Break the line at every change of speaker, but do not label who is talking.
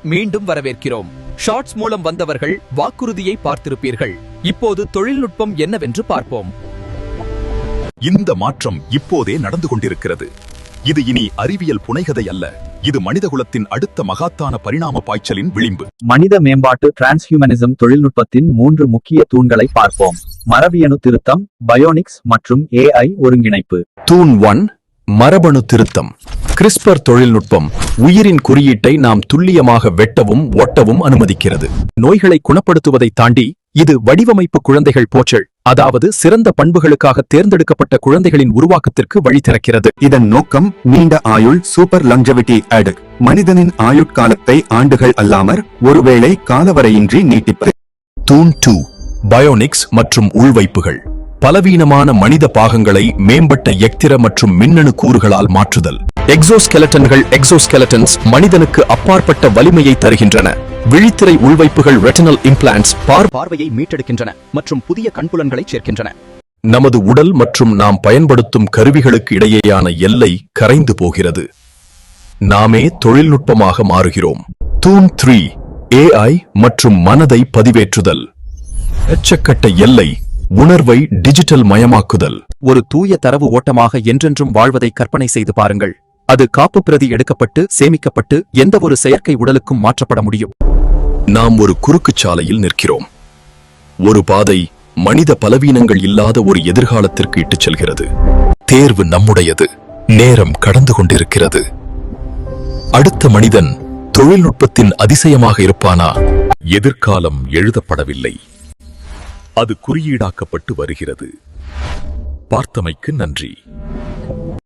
மீண்டும் வரவேற்கிறோம். ஷார்ட்ஸ் மூலம் வந்தவர்கள் வாக்குறுதியை பார்த்திருப்பீர்கள். இப்போது தொழில்நுட்பம் என்னவென்று பார்ப்போம்.
இந்த மாற்றம் இப்போதே நடந்து கொண்டிருக்கிறது. இது இனி அறிவியல் புனைகதை அல்ல, இது மனிதகுலத்தின் அடுத்த மகாத்தான பரிணாம பாய்ச்சலின் விளிம்பு.
மனித மேம்பாட்டு டிரான்ஸ்ஹியூமனிசம் தொழில்நுட்பத்தின் 3 முக்கிய தூண்களை பார்ப்போம். மரபியணு திருத்தம், பயோனிக்ஸ் மற்றும் AI ஒருங்கிணைப்பு.
தூண் 1, மரபணு திருத்தம். கிறிஸ்பர் தொழில்நுட்பம் உயிரின் குறியீட்டை நாம் துல்லியமாக வெட்டவும் ஒட்டவும் அனுமதிக்கிறது. நோய்களை குணப்படுத்துவதை தாண்டி இது வடிவமைப்பு குழந்தைகள் போற்றல், அதாவது சிறந்த பண்புகளுக்காக தேர்ந்தெடுக்கப்பட்ட குழந்தைகளின் உருவாக்கத்திற்கு வழி திறக்கிறது.
இதன் நோக்கம் நீண்ட ஆயுள், சூப்பர் லங்ஜெவிட்டி அட், மனிதனின் ஆயுட்காலத்தை ஆண்டுகள் அல்லாமற் ஒருவேளை காலவரையின்றி நீட்டிப்பது.
தூண் 2, பயோனிக்ஸ் மற்றும் உள்வைப்புகள். பலவீனமான மனித பாகங்களை மேம்பட்ட எக்திர மற்றும் மின்னணு கூறுகளால் மாற்றுதல். எக்ஸோஸ்கெலட்டன்ஸ் மனிதனுக்கு அப்பாற்பட்ட வலிமையை தருகின்றன. விழித்திரை உள்வைப்புகள் ரெட்டினல் இம்ப்ளான்ட்ஸ் பார்வையை மீட்டெடுக்கின்றன மற்றும் புதிய கண்புலன்களை சேர்க்கின்றன. நமது உடல் மற்றும் நாம் பயன்படுத்தும் கருவிகளுக்கு இடையேயான எல்லை கரைந்து போகிறது. நாமே தொழில்நுட்பமாக மாறுகிறோம். தூண் 3, AI மற்றும் மனதை பதிவேற்றுதல். எச்சக்கட்ட எல்லை உணர்வை டிஜிட்டல் மயமாக்குதல்.
ஒரு தூய தரவு ஓட்டமாக என்றென்றும் வாழ்வதை கற்பனை செய்து பாருங்கள். அது காப்பு பிரதி எடுக்கப்பட்டு சேமிக்கப்பட்டு எந்த ஒரு செயற்கை உடலுக்கும் மாற்றப்பட முடியும்.
நாம் ஒரு குறுக்குச் சாலையில் நிற்கிறோம். ஒரு பாதை மனித பலவீனங்கள் இல்லாத ஒரு எதிர்காலத்திற்கு இட்டுச் செல்கிறது. தேர்வு நம்முடையது. நேரம் கடந்து கொண்டிருக்கிறது. அடுத்த மனிதன் தொழில்நுட்பத்தின் அதிசயமாக இருப்பானா? எதிர்காலம் எழுதப்படவில்லை, அது குறியீடாக்கப்பட்டு வருகிறது. பார்த்தமைக்கு நன்றி.